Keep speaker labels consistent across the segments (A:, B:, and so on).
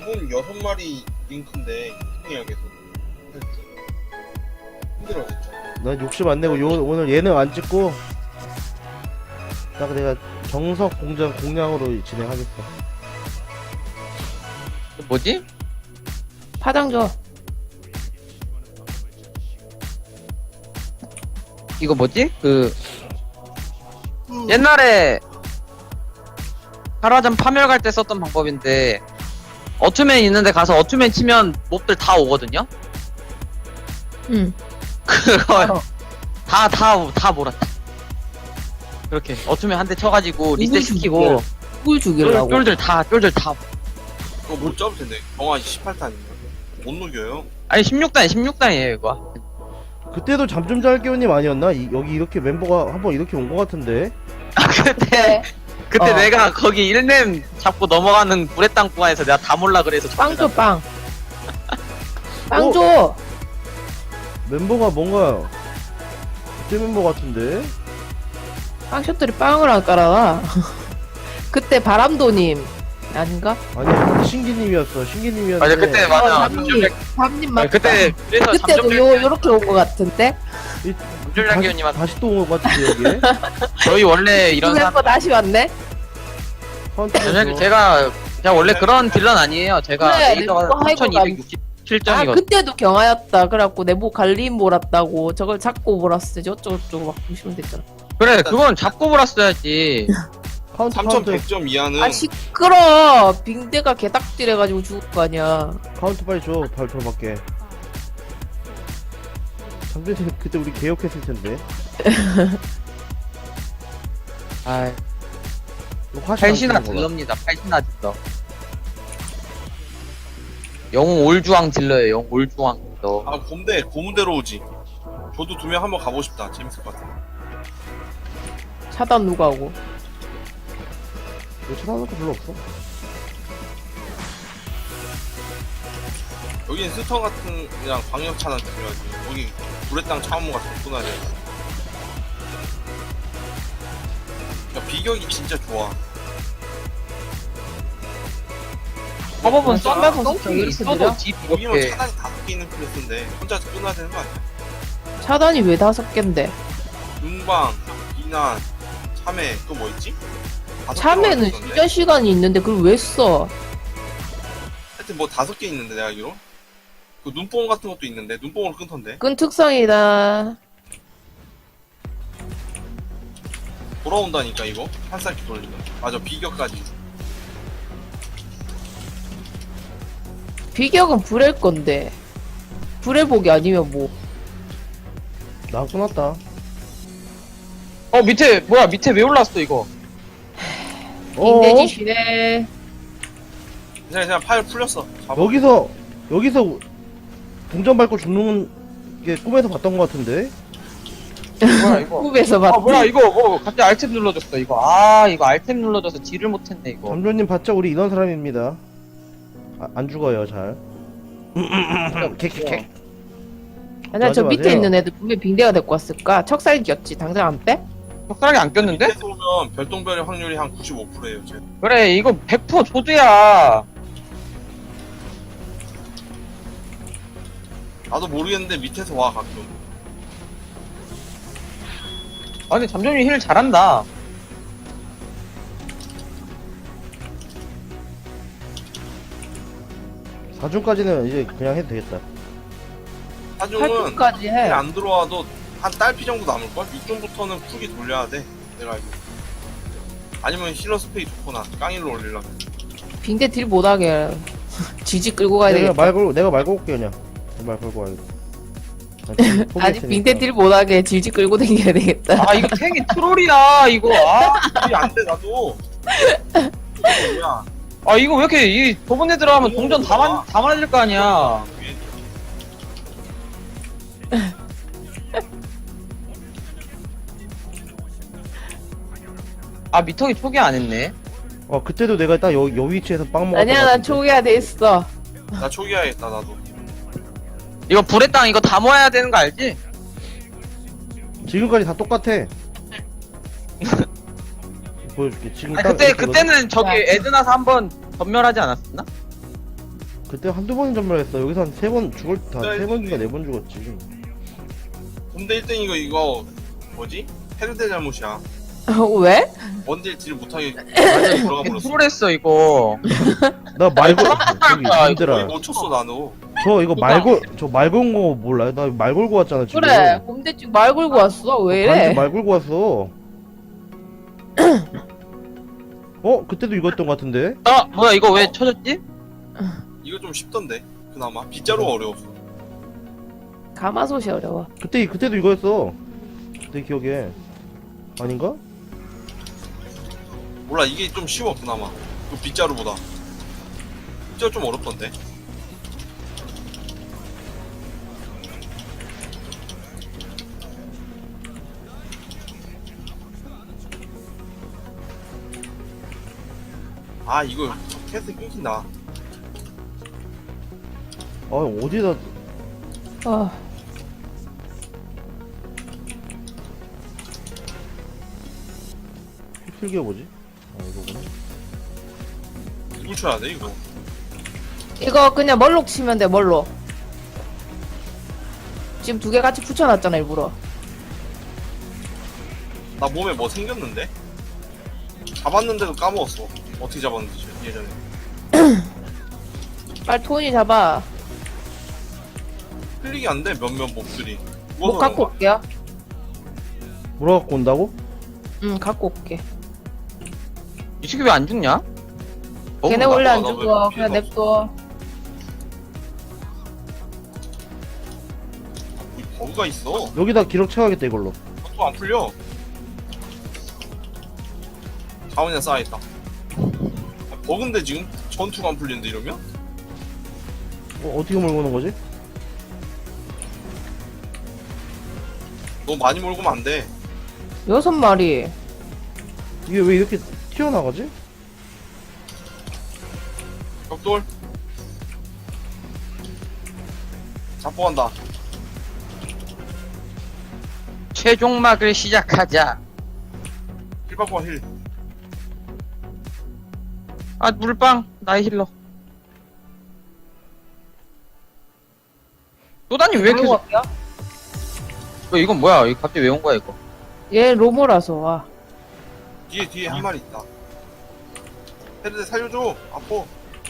A: 돈 6마리 링크인데 해야 계속 힘들어 진짜.
B: 난 욕심 안 내고 오늘 예능 안 찍고 딱 내가 정석 공장 공략으로 진행하겠어.
C: 뭐지?
D: 파장 줘.
C: 이거 뭐지? 그 옛날에 하라전 파멸 갈 때 썼던 방법인데 어투맨 있는데 가서 어투맨 치면 몹들 다 오거든요?
D: 응.
C: 그거 다 몰았다. 그렇게 어투맨 한 대 쳐가지고 리셋 시키고
D: 꿀 죽이려고.
C: 쫄들 다
A: 그거 못 잡을 텐데. 경화 18탄이면 못 녹여요.
C: 아니 16단이에요 이거.
B: 그때도 잠 좀 잘 깨우님 아니었나? 여기 이렇게 멤버가 한번 이렇게 온 것 같은데.
C: 아 그때
D: 어.
C: 내가 거기 1렘 잡고 넘어가는 불의 땅 구간에서 내가 다 몰라 그래서
D: 빵 줘, 빵. 빵
B: 어?
D: 줘.
B: 멤버가 뭔가 그때 멤버 같은데.
D: 빵 셔틀이 빵을 안 깔아놔. 그때 바람도님 아닌가?
B: 아니 신기님이었어. 신기님이었는데.
C: 맞아 그때 맞아.
D: 밤님 맞다.
C: 그때 그래서
D: 그때도 요렇게 온 것 같은데?
C: 잠정장기님한테
B: 다시 또 온 것 같은데 여기에.
C: 저희 원래 이런
D: 그
C: 사람
D: 멤버 다시 왔네?
C: 사실 제가 원래 그런 딜런 아니에요. 제가
D: 그래,
C: 레이더가
D: 내가 하이브가
C: 3267점이거든.
D: 그때도 경하였다. 그래갖고 내목 갈림 몰았다고. 저걸 잡고 몰았어. 어쩌고저쩌고 막 보시면 됐잖아.
C: 그래 그건 잡고 몰았어야지.
B: 카운트
A: 3100점 이하는
D: 아, 시끄러! 빙대가 개딱질 해가지고 죽을 거 아니야.
B: 카운트 빨리 줘. 발표 밖에. 장준님 그때 우리 개혁했을 텐데.
C: 아
B: 이거 화시
C: 팔신화
B: 안 쓰는 거다.
C: 딜러입니다. 팔신화 딜러. 영웅 올주왕 딜러예요. 영웅 올주왕 딜러.
A: 아 고문대로 오지. 저도 2명 한번 가보고 싶다. 재밌을 것 같아.
D: 차단 누가 하고.
B: 이거 찾아놓을 거 별로 없어.
A: 여기는 스턴 같은 그냥 광역 차단 중요하지. 여기 불의 땅 차원모 같은 거 쏘나야 돼. 야, 비격이 진짜 좋아.
C: 허버분
D: 맞아.
C: 썬다고
D: 썬킹이
C: 이렇게
D: 있어도
C: 써도 집
A: 여기면
C: 이렇게
A: 차단이 5개 있는 클래스인데 혼자서 끝나야 되는 거 아니야?
D: 차단이 왜 5갠데?
A: 눈방, 비난, 참외 또 뭐 있지? 5개
D: 참외는
A: 있었는데?
D: 진짜 시간이 있는데 그걸 왜 써?
A: 하여튼 뭐 5개 있는데 내가 알기로 그 눈뽕 같은 것도 있는데 눈뽕으로 끊던데
D: 끈 특성이다.
A: 돌아온다니까 이거 한 쌀기 돌리면 맞아 비격까지.
D: 비격은 불의 건데. 불의 복이 아니면 뭐.
B: 나 끊었다.
C: 밑에 뭐야 밑에 왜 올랐어 이거?
D: 빙대짓이네.
A: 그냥 파일 풀렸어. 잡아.
B: 여기서 동전 밟고 죽는 게 꿈에서 봤던 것 같은데.
C: 뭐야 이거?
D: 꿈에서 봤지.
C: 뭐야 이거 갑자기 알탭 눌러줬어 이거. 아 이거 알탭 눌러줘서 딜을 못했네 이거.
B: 잠조님 봤자 우리 이런 사람입니다. 안 죽어요 잘. 객.
D: 아니야, 저
B: 맞아,
D: 밑에
B: 맞아요.
D: 있는 애들 분명 빙대가 데리고 왔을까? 척살기였지. 당장 안 빼?
C: 젓가락이 안 꼈는데?
A: 밑에서 오면 별똥별의 확률이 한 95%예요. 쟤.
C: 그래 이거 100% 조드야.
A: 나도 모르겠는데 밑에서 와 가끔.
C: 아니 잠정이 힐 잘한다.
B: 사중까지는 이제 그냥 해도 되겠다.
A: 사중은
D: 8분까지 해.
A: 안 들어와도 한 딸피 정도 남을걸? 6중부터는 푸기 돌려야 돼. 내가 알고. 아니면 힐러 스페이 좋거나 깡일로 올리려면.
D: 빙대 딜 못하게. 지지 끌고 가야 되겠다.
B: 내가 말고 올게 그냥. 말 걸고 와야겠다.
D: 아니, 빙대 딜 못하게 질질 끌고 다녀야 되겠다.
C: 아 이거 탱이 트롤이야 이거.
A: 이게 안 돼, 나도. 이게 뭐야.
C: 아 이거 왜 이렇게 이 좁은 애 들어가면 동전 다 맞을 거 아니야. 아 미터기 초기 안 했네.
B: 그때도 내가 딱 여 위치에서 빵 먹었던
D: 아니야,
B: 것
D: 난
B: 같은데.
D: 초기화 돼 있어.
A: 나 초기화했다, 나도.
C: 이거 불의 땅 이거 다 모아야 되는 거 알지?
B: 지금까지 다 똑같아. 보여줄게. 지금
C: 아니,
B: 딱 이렇게
C: 그때는 저기
D: 야.
C: 에드나서 한번 전멸하지 않았었나?
B: 그때 한두 번인 전멸했어. 여기서 한 세 번 죽을 다
A: 네,
B: 세 번인가
A: 네.
B: 네 번 죽었지.
A: 곰대 1등 이거 뭐지? 헤르데 잘못이야.
D: 왜?
A: 원딜 딜 못하게
C: 맞아,
A: 들어가 버렸어.
C: 프로했어, 이거.
B: 나 말고 저기
C: 거야,
B: 님들아
A: 거의 못 쳤어 나도.
B: 저 이거 말 건 거 몰라요? 나 말 걸고 왔잖아 지금.
D: 그래 곰대증 말 걸고 왔어 왜
B: 반지
D: 이래?
B: 말 걸고 왔어. 그때도 이거였던 것 같은데?
C: 아, 뭐야, 이거 왜 쳐졌지?
A: 이거 좀 쉽던데. 그나마 빗자루가 어려웠어.
D: 가마솥이 어려워.
B: 그때도 이거였어. 내 기억에. 아닌가?
A: 몰라 이게 좀 쉬워 그나마. 그 빗자루보다. 빗자루 좀 어렵던데. 아 이거 캐스 끊긴다.
B: 어디다
D: 아
B: 휩쓸겨 보지? 이거구나.
A: 누굴 쳐야 돼 이거?
D: 이거 그냥 멀록 치면 돼 멀록. 지금 두 개 같이 붙여놨잖아 일부러.
A: 나 몸에 뭐 생겼는데? 잡았는데도 까먹었어. 어떻게 잡았는지 예전에.
D: 빨리 토니 잡아.
A: 클릭이 안 돼 몇몇 몹들이.
D: 뭐 갖고 올게요.
B: 뭐라 갖고 온다고?
D: 응 갖고 올게.
C: 이 새끼 왜 안 죽냐?
D: 걔네
A: 나빠,
D: 원래 안
A: 나왜
D: 죽어.
A: 피해가
D: 그냥 냅둬.
A: 버그가 있어.
B: 여기다 기록 채워야겠다 이걸로.
A: 또 안 풀려. 자원이나 쌓여있다. 버그인데 지금 전투가 안 풀리는데 이러면?
B: 어떻게 몰고 오는 거지?
A: 너무 많이 몰고 면 안 돼.
D: 6마리.
B: 이게 왜 이렇게 튀어나가지?
A: 벽돌. 잡고 간다.
C: 최종막을 시작하자.
A: 힐 받고 와 힐.
C: 아, 물방, 나의 힐러. 또다님 왜
D: 들고
C: 계속,
D: 갈게요.
C: 이건 뭐야? 이거 갑자기 왜 온 거야, 이거?
D: 얘 로모라서 와.
A: 뒤에 한 마리 있다. 헤르데 살려줘. 아파.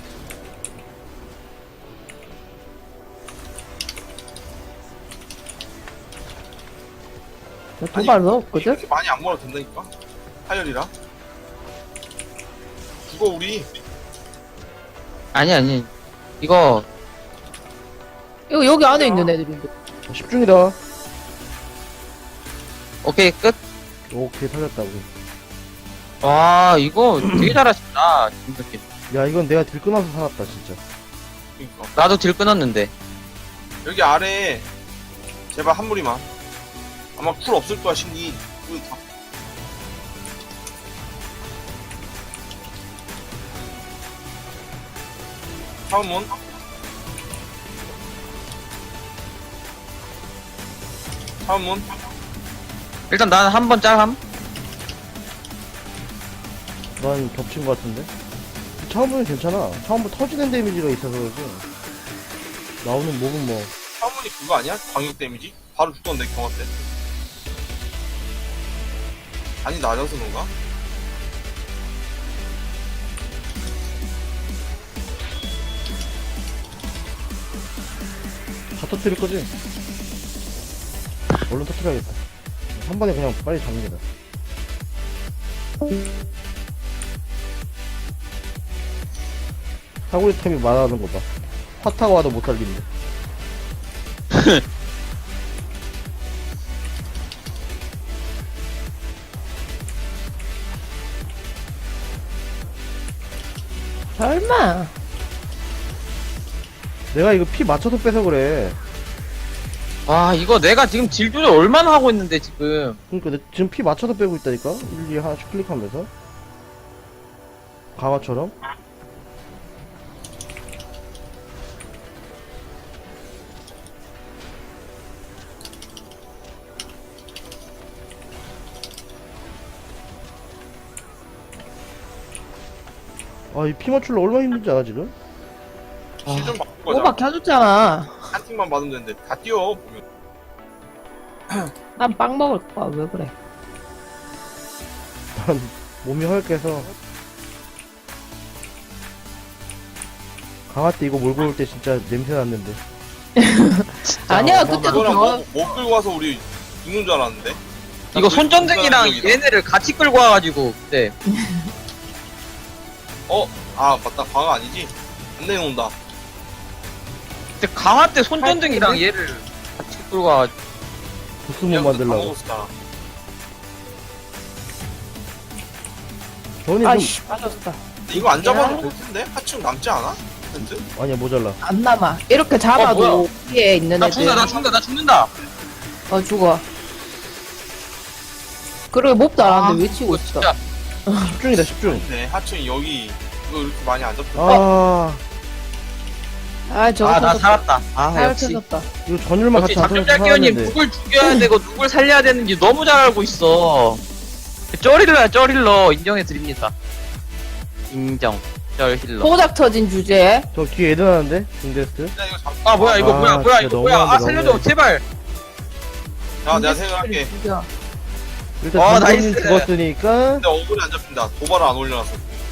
D: 도발 넣었거든?
A: 이렇게 많이 안 몰아도 된다니까. 하열이라. 죽어 우리.
C: 아니. 이거,
D: 이거 여기 안에 있는 애들인데.
B: 10중이다.
C: 오케이, 끝.
B: 오케이 살렸다 우리.
C: 와, 이거 되게 잘하신다, 김석기.
B: 야 이건 내가 딜 끊어서 살았다 진짜.
A: 그러니까.
C: 나도 딜 끊었는데.
A: 여기 아래에 제발 한 무리만. 아마 쿨 없을 거야 신기. 쿨 다. 차원문. 차원문.
C: 일단 나는 한 번 짤함.
B: 난 겹친 것 같은데. 처음부는 괜찮아. 처음부터 터지는 데미지가 있어서 그러지. 나오는 몹은 뭐.
A: 차원문이 그거 아니야? 광역 데미지? 바로 죽던데 경화 때. 아니 낮아서 그런가?
B: 다 터뜨릴 거지? 얼른 터뜨려야겠다. 한 번에 그냥 빨리 잡는 게다. 사거리 템이 많아하는 거 봐. 화 타고 와도 못 살린대.
D: 설마.
B: 내가 이거 피 맞춰서 빼서 그래.
C: 와, 이거 내가 지금 딜 조절 얼마나 하고 있는데, 지금.
B: 그러니까 내 지금 피 맞춰서 빼고 있다니까? 1, 2 하나씩 클릭하면서. 강화처럼. 아, 이 피 맞출러 얼마나 힘든지 알아, 지금?
A: 실좀 바꿀 거잖아.
D: 오바 켜줬잖아.
A: 한 팀만 받으면 되는데 다 뛰어 보면.
D: 난 빵 먹을 거야. 왜 그래?
B: 난 몸이 헐게서 강화 때 이거 몰고 올 때 진짜 냄새 났는데.
D: 아니야,
B: 어마어마하다.
D: 그때도
A: 그거랑
D: 저
A: 못 끌고 와서 우리 죽는 줄 알았는데.
C: 이거 손전등이랑
A: 여기다.
C: 얘네를 같이 끌고 와가지고 그때
A: 아 맞다, 광화 아니지? 안 내놓는다.
C: 그때 강화 때 손전등이랑 얘를 같이 끌고 와가지고
B: 부스 못 만들라고. 저는 좀
D: 아이씨 빠졌다.
A: 이거 안 잡아도 될 텐데? 하층 남지 않아? 텐트?
B: 아니야 모자라.
D: 안 남아. 이렇게 잡아도
C: 뭐야?
D: 위에 있는
C: 나
D: 애들.
C: 죽는다 나 죽는다.
D: 죽어. 그러게 몹도 안 하는데 왜 치고
C: 이거
D: 있어?
C: 진짜
B: 10중이다 10중.
A: 네, 하층 여기 이거 이렇게 많이 안 잡혀.
D: 저거
C: 나
D: 터졌다.
C: 살았다. 아
D: 잘
C: 역시
D: 터졌다.
B: 이거 전율만
C: 역시
B: 같이 안 터져서
C: 잠들기원님
B: 살았는데.
C: 누굴 죽여야 되고 누굴 살려야 되는지 너무 잘 알고 있어. 쩌릴러 인정해드립니다. 인정. 쩔힐러.
D: 포작 터진 주제에
B: 저 뒤에 애들 하는데 중데스트.
A: 야, 이거 잡.
C: 아 뭐야 이거
B: 아,
C: 뭐야
B: 진짜
C: 이거 뭐야. 아
B: 너무한데,
C: 살려줘
B: 너무해.
C: 제발.
A: 자, 내가 생각할게.
D: 죽여.
B: 일단
C: 와,
B: 장군님
C: 나이스.
B: 죽었으니까
A: 근데 어글이 안 잡힌다. 도발을 안 올려놨어.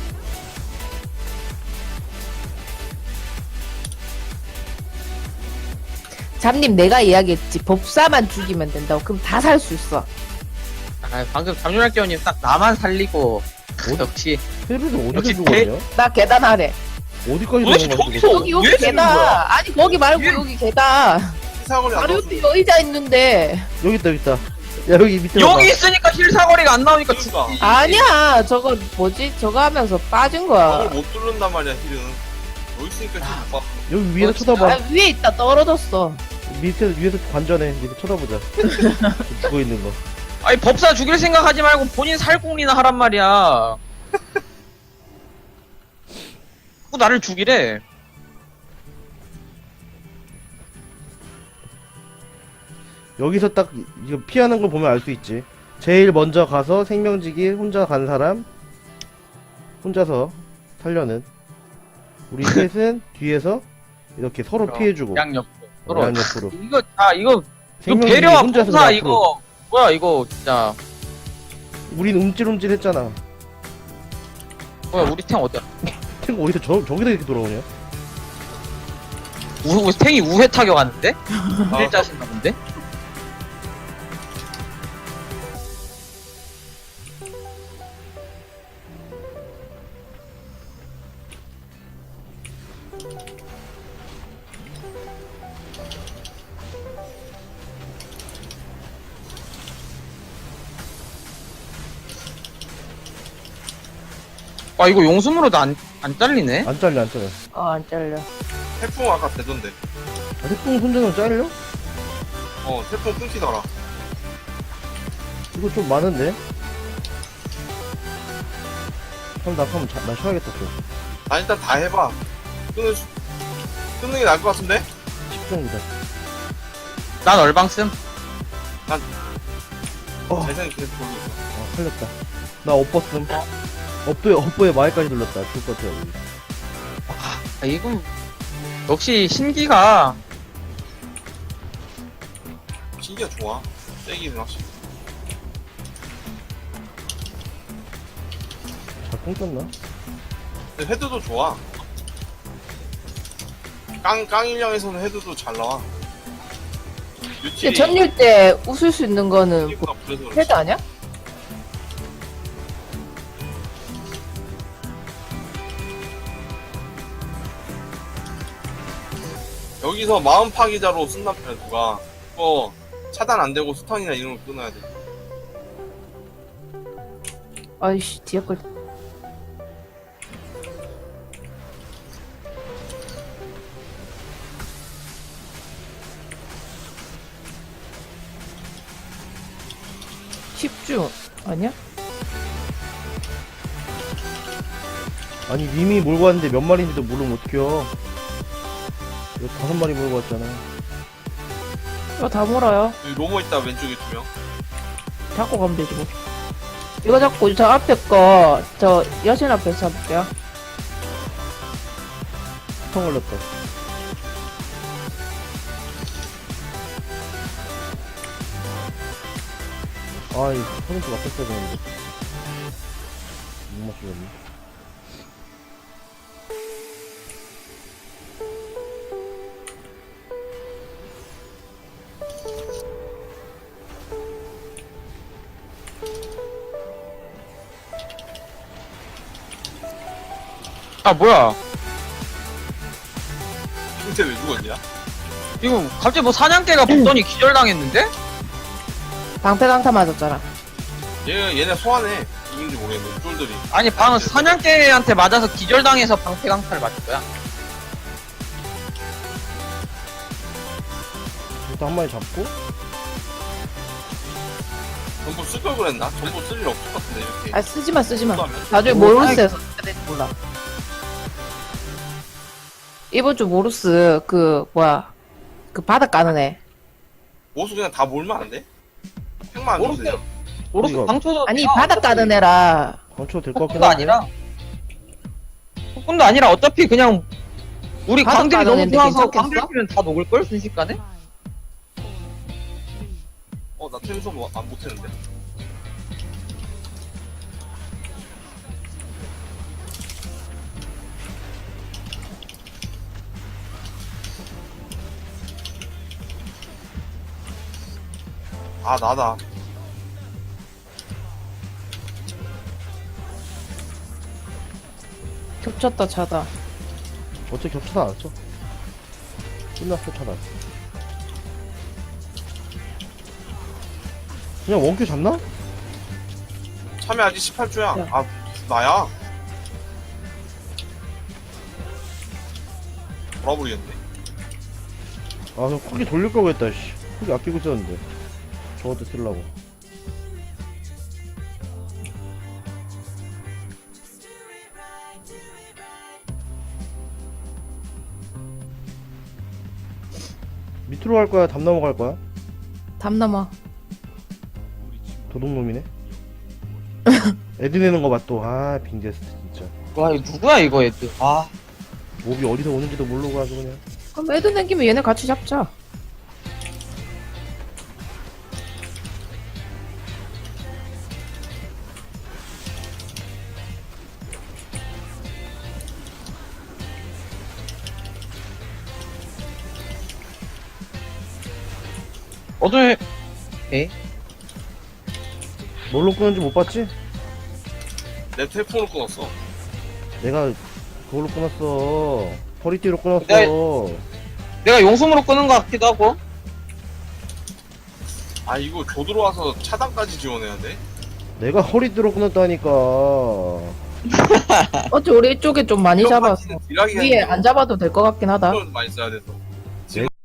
D: 잡님 내가 이야기했지. 법사만 죽이면 된다고. 그럼 다 살 수 있어.
C: 아 방금 잠룡할게원님 딱 나만 살리고 역시
B: 헤르도 어디서
C: 역시
B: 죽었냐?
D: 나 계단 아래.
B: 어디까지
C: 도대체
B: 넘어가지고
C: 저기서-
B: 죽었어?
D: 여기
C: 왜
D: 계단.
C: 죽는 거야?
D: 아니 거기 말고
C: 왜?
D: 여기 계단.
A: 희사거리 안
D: 바로
A: 넣어서.
D: 옆에 의자 있는데.
B: 여기 있다 여기 있다. 야 여기 밑에 봐봐.
C: 여기 있으니까 힐사거리가 안 나오니까
A: 그러니까.
C: 죽지.
D: 아니야. 저거 뭐지? 저거 하면서 빠진 거야.
A: 어글 못 뚫는단 말이야, 힐은. 여기 있으니까 힐못 봤어.
B: 여기 위에서
C: 진짜?
B: 쳐다봐.
D: 아, 위에 있다. 떨어졌어.
B: 위에서 관전해. 밑에 쳐다보자. 죽어 있는 거.
C: 아니 법사 죽일 생각하지 말고 본인 살궁리나 하란 말이야. 자꾸 나를 죽이래.
B: 여기서 딱 이거 피하는 걸 보면 알 수 있지. 제일 먼저 가서 생명지기 혼자 간 사람 혼자서 살려는. 우리 셋은 뒤에서 이렇게 서로 피해주고
C: 양옆 서로.
B: 양옆으로.
C: 이거
B: 생명지기
C: 배려와
B: 혼자서
C: 법사
B: 앞으로.
C: 이거 뭐야 이거 진짜.
B: 우린 움찔움찔 했잖아.
C: 뭐야 우리 탱 어디야?
B: 탱크 어디서 저기다 이렇게 돌아오냐?
C: 탱이 우회 타격하는데?
A: 아.
C: 일자신가 본데? 아 이거 용숨으로도 안 잘리네?
B: 안 잘려 안 잘려.
D: 안 잘려.
A: 태풍 아까 되던데.
B: 아, 태풍 손전등 잘려?
A: 태풍 끊기더라.
B: 이거 좀 많은데? 그럼 나 한번 나 쉬어야겠다 좀.
A: 나 일단 다 해봐. 끊는 게 나을 것 같은데?
B: 10중이다.
C: 난 얼방씀?
A: 재생 계속 돌리고 있어.
B: 살렸다. 나 업버슴. 업보에 마이까지 돌렸다. 죽을 것 같아. 여기.
C: 아 이건 역시 신기가
A: 신기가 좋아. 세기는 확실히.
B: 잘 끊겼나?
A: 근데 헤드도 좋아. 깡일령에서는 헤드도 잘 나와.
D: 근데
A: 유틸이
D: 전율 때 웃을 수 있는 거는
A: 이구나 그래서 그렇지.
D: 헤드 아니야?
A: 여기서 마음 파기자로 쓴단 말이야 누가. 그거 차단 안 되고 스턴이나 이런 거 끊어야 돼.
D: 아이씨 뒤에 걸. 십주 아니야?
B: 아니 님이 몰고 왔는데 몇 마리인지도 모르면 어떡해요. 이거 5마리 몰고 왔잖아.
D: 이거 다 몰아요.
A: 여기 로모 있다 왼쪽에 2명.
D: 잡고 가면 되지 뭐. 이거 잡고 저 앞에 거 저 여신 앞에서 잡을게요.
B: 패턴 걸렸다. 아, 이 포인트 맞췄어야 되는데. 못 맞추겠네.
C: 아 뭐야?
A: 근데 왜 죽었냐?
C: 이거 갑자기 뭐 사냥개가 붙더니 기절당했는데?
D: 방패 강타 맞았잖아.
A: 얘네 소환해. 이긴지 모르겠는데 쫄들이.
C: 아니 방금 사냥개한테 맞아서 기절당해서 방패강타를 맞은 거야.
B: 일단 한 마리 잡고.
A: 전부 쓸 걸 그랬나? 전부 쓸 일 없을 것 같은데 이렇게.
D: 아 쓰지마 쓰지마.
A: 하면?
D: 나중에 모루스에서 써야 될지 몰라. 이번 주 모루스 그 뭐야 그 바닥 까는 애.
A: 모수 그냥 다 몰면 안 돼? 팩만 안
C: 모르겠어.
A: 주세요.
C: 모르스
B: 이거-
C: 방초도
D: 아니 바닥 까는 애라.
B: 강초 될 것 같긴
C: 폭군도
B: 한데.
C: 아니라 폭군도 아니라 어차피 그냥 우리
D: 바닥
C: 광들이
D: 까는
C: 너무
D: 애인데
C: 좋아서
D: 괜찮겠어?
C: 광들 끼면 다 녹을걸 순식간에?
A: 나 템소 안 못했는데. 아 나다.
D: 겹쳤다 차다.
B: 어차피 겹쳐서 안 써. 끝났어, 차단. 그냥 원큐 잡나?
A: 참여 아직 18주야.
D: 야.
A: 아 나야. 돌아버리겠네.
B: 아, 저 쿨기 돌릴 걸 그랬다, 씨. 쿨기 아끼고 있었는데. 저것도 쓰려고. 밑으로 갈 거야? 담 넘어갈 거야?
D: 담 넘어.
B: 도둑놈이네? 애드 내는 거 봐, 또. 아, 빙제스트, 진짜.
C: 와 이거 누구야 이거 애들. 아
B: 몹이 어디서 오는지도 모르고 아주 그냥.
D: 그럼 애들 생기면 얘네 같이 잡자.
C: 오늘 에이
B: 뭘로 끄는지 못 봤지?
A: 내 텔폰을 끊었어.
B: 내가 그걸로 끊었어. 허리띠로 끊었어.
C: 내가 용숨으로 끄는 것 같기도 하고.
A: 아 이거 조 들어와서 차단까지 지원해야 돼?
B: 내가 허리띠로 끊었다니까.
D: 어째 우리 이쪽에 좀 많이 잡았어.
A: 딜하기가
D: 위에 안 잡아도 될 것 같긴 하다.
A: 많이 써야 돼서.